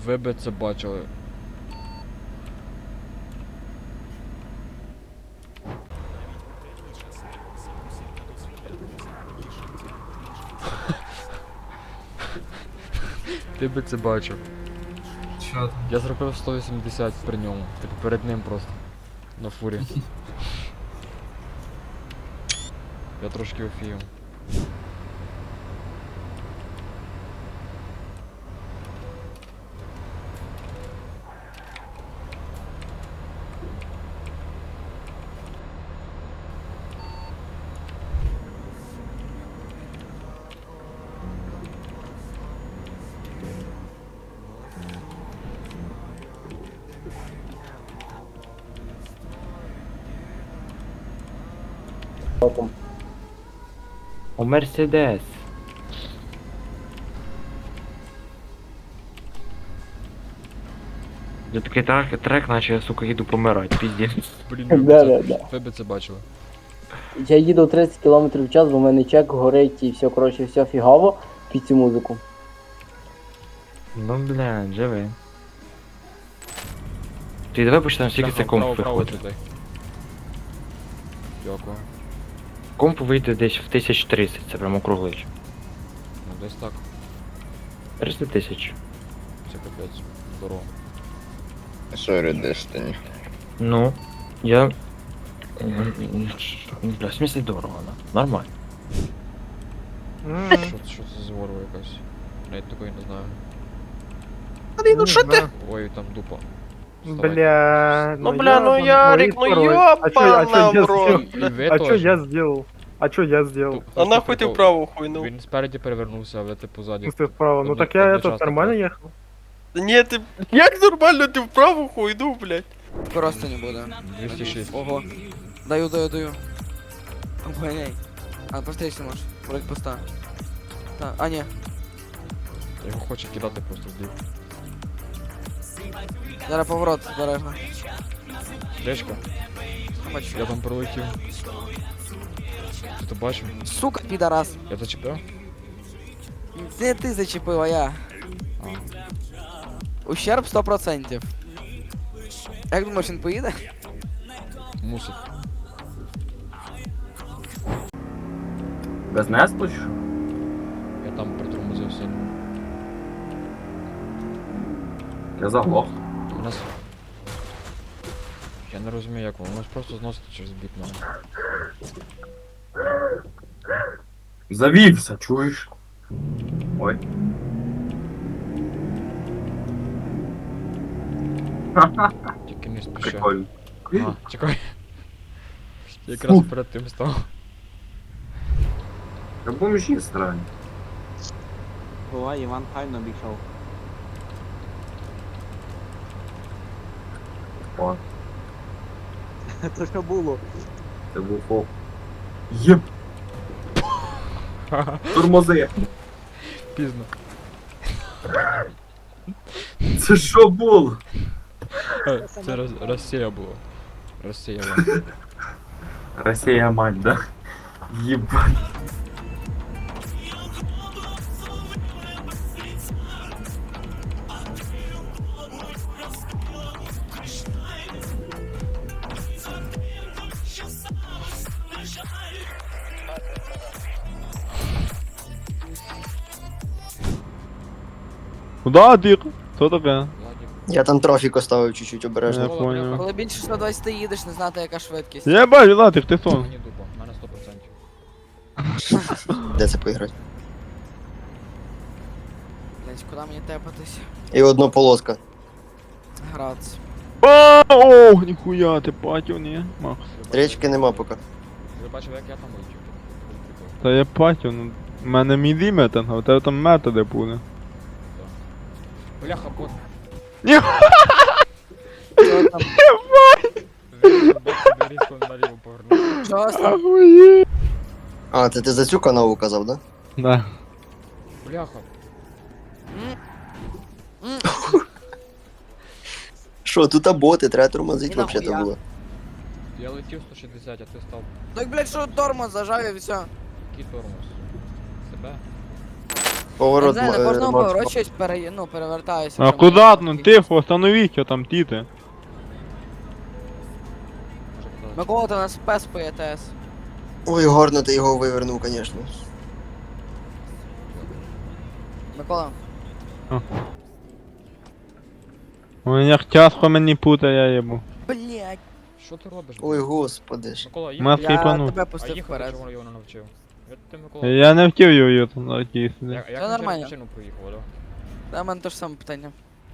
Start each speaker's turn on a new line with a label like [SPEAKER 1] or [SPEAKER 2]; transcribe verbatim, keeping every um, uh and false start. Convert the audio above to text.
[SPEAKER 1] Ви би це бачили. Ти би це бачив.
[SPEAKER 2] Що там?
[SPEAKER 1] Я зробив сто вісімдесят при ньому. Типу перед ним просто. На фурі. Я трошки офігів.
[SPEAKER 3] У Мерседес. Я такий трек, трек, наче я, сука, їду помирати, піздець.
[SPEAKER 1] Блін, ви
[SPEAKER 4] Да,
[SPEAKER 1] би
[SPEAKER 4] да,
[SPEAKER 1] це,
[SPEAKER 4] да.
[SPEAKER 1] ви би це бачили.
[SPEAKER 4] Я їду тридцять кілометрів в час, бо в мене чек горить і все, коротше, все фігаво під цю музику.
[SPEAKER 3] Ну, блядь, живи. Ти давай почнемо, скільки це комп виходить.
[SPEAKER 1] Дякую.
[SPEAKER 3] Комп вийде десь в тисяч тридцять, це прямо округлич.
[SPEAKER 1] Ну десь так.
[SPEAKER 3] триста тисяч.
[SPEAKER 1] Це капець. Здорово.
[SPEAKER 5] Sorry, Destiny.
[SPEAKER 3] Ну, я... Бля, в смысле дорого, да? Нормально.
[SPEAKER 1] Що, що це за ворога якась? Навіть такої не знаю.
[SPEAKER 6] Ну що ти?
[SPEAKER 1] Ой, там дупа. Вставай.
[SPEAKER 6] Бля,
[SPEAKER 7] Ну бля, ну
[SPEAKER 6] я
[SPEAKER 7] Ярик, ну ёбана в рот.
[SPEAKER 1] І ви
[SPEAKER 6] А что
[SPEAKER 1] теж.
[SPEAKER 6] я сделал? А что я сделал?
[SPEAKER 1] Ту-
[SPEAKER 7] А
[SPEAKER 1] просто
[SPEAKER 7] нахуй ти
[SPEAKER 1] прикол.
[SPEAKER 7] вправо хуйнув?
[SPEAKER 1] Він спереді перевернувся, а ви типу ззаді.
[SPEAKER 6] В смысле вправо? Ну
[SPEAKER 1] Одно-
[SPEAKER 6] так я этот
[SPEAKER 1] одночасно
[SPEAKER 6] нормально
[SPEAKER 1] так.
[SPEAKER 6] ехал.
[SPEAKER 7] Та ні, ти... Як нормально ти вправо хуйнув, блядь?
[SPEAKER 8] Просто не буду.
[SPEAKER 1] двісті шість.
[SPEAKER 8] Ого. Даю, даю, даю. Обгоняй. А, просто если можешь. Вроде пуста. Так, а не.
[SPEAKER 1] Його хоче кидати просто в бік.
[SPEAKER 8] Зараз поворот, обережно.
[SPEAKER 1] Речка,
[SPEAKER 8] Бачу.
[SPEAKER 1] я там пролетів. Ти то бачив?
[SPEAKER 8] Сука, підарас.
[SPEAKER 1] Я зачепив?
[SPEAKER 8] Це ти зачепив, а я.
[SPEAKER 1] А.
[SPEAKER 8] Ущерб сто процентів. Як думаєш, він поїде?
[SPEAKER 1] Мусить.
[SPEAKER 3] Без несту чи що?
[SPEAKER 1] Я там притормозив сильно.
[SPEAKER 3] Я заглох.
[SPEAKER 1] У нас... Я не розумію як воно, воно ж просто зносить через бік мене.
[SPEAKER 3] Завівся, чуєш? Ой.
[SPEAKER 1] Тільки не спіши.
[SPEAKER 3] Прикольно.
[SPEAKER 1] А, чекай. Якраз перед тим став.
[SPEAKER 3] Та бомжі странні.
[SPEAKER 9] Бувай, Іван файно обійшов.
[SPEAKER 3] О,
[SPEAKER 9] Це що було?
[SPEAKER 3] це був фоп. Єп. Тормози.
[SPEAKER 1] Пізно.
[SPEAKER 3] Це що було?
[SPEAKER 1] Е, Це Рос- Росія була. Росія була.
[SPEAKER 3] Росія мать, да? Єбать.
[SPEAKER 10] Куда ти? Що таке?
[SPEAKER 1] Владик.
[SPEAKER 4] Я там трофік оставив чуть-чуть
[SPEAKER 10] Я
[SPEAKER 4] обережно.
[SPEAKER 10] понял.
[SPEAKER 8] Коли більше сто двадцять їдеш, не знати яка швидкість.
[SPEAKER 10] Я бачу, Латик, ти хто?
[SPEAKER 1] Мені дупа, в мене сто процентів.
[SPEAKER 4] Де це поіграти?
[SPEAKER 8] Блять, куди мені тепатись?
[SPEAKER 4] І одна полоска.
[SPEAKER 8] Граться.
[SPEAKER 10] А, о, ніхуя, ти патів, ні? Макс.
[SPEAKER 4] Річки нема поки.
[SPEAKER 1] Ви бачили як я там летів? Прикол.
[SPEAKER 10] Та я патів, ну. У мене міді метинг, а у тебе там методи буде.
[SPEAKER 1] Бляха, бот.
[SPEAKER 10] Ні.
[SPEAKER 8] Що там?
[SPEAKER 1] Він бот собі різко наліво повернув.
[SPEAKER 8] Що там?
[SPEAKER 10] Ахує.
[SPEAKER 4] А, це ти за цю канаву казав, да?
[SPEAKER 10] Да.
[SPEAKER 1] Бляха.
[SPEAKER 8] М? М?
[SPEAKER 4] Що, тут боти, треба тормозити
[SPEAKER 8] І
[SPEAKER 4] взагалі
[SPEAKER 8] нахуя?
[SPEAKER 4] було.
[SPEAKER 1] Я летів сто шістдесят, а ти став.
[SPEAKER 8] Так, блять, що тормоз зажав і все.
[SPEAKER 1] Який тормоз? Себе?
[SPEAKER 8] Я
[SPEAKER 2] Поворот
[SPEAKER 8] не знаю, на
[SPEAKER 2] м-
[SPEAKER 8] кожному
[SPEAKER 2] Макс.
[SPEAKER 8] поворот щось пере... ну, перевертаюся.
[SPEAKER 10] А
[SPEAKER 8] вже
[SPEAKER 10] куди?
[SPEAKER 8] мене
[SPEAKER 10] Ну
[SPEAKER 8] такі-
[SPEAKER 10] тихо, остановіть його там, тіти.
[SPEAKER 8] Микола, ти у нас спец по ЄТС.
[SPEAKER 2] Ой, гарно ти його вивернув, звісно.
[SPEAKER 8] Микола,
[SPEAKER 10] Ой, як тяжко мені путає, я їбу.
[SPEAKER 8] блять,
[SPEAKER 1] Що ти робиш?
[SPEAKER 2] Ой,
[SPEAKER 1] блядь?
[SPEAKER 2] господи ж.
[SPEAKER 1] Микола, їх...
[SPEAKER 10] Маски
[SPEAKER 8] я
[SPEAKER 10] пану.
[SPEAKER 8] тебе
[SPEAKER 1] А
[SPEAKER 8] пустив
[SPEAKER 1] їхати
[SPEAKER 8] вперед.
[SPEAKER 1] чого його не навчив? Я ти, Микола...
[SPEAKER 10] Я не втів його там на тій
[SPEAKER 1] Я,
[SPEAKER 10] сюди.
[SPEAKER 1] як
[SPEAKER 8] Це
[SPEAKER 1] він через
[SPEAKER 8] нормально.
[SPEAKER 1] машину проїхав, да?
[SPEAKER 8] Та в мене те ж саме питання.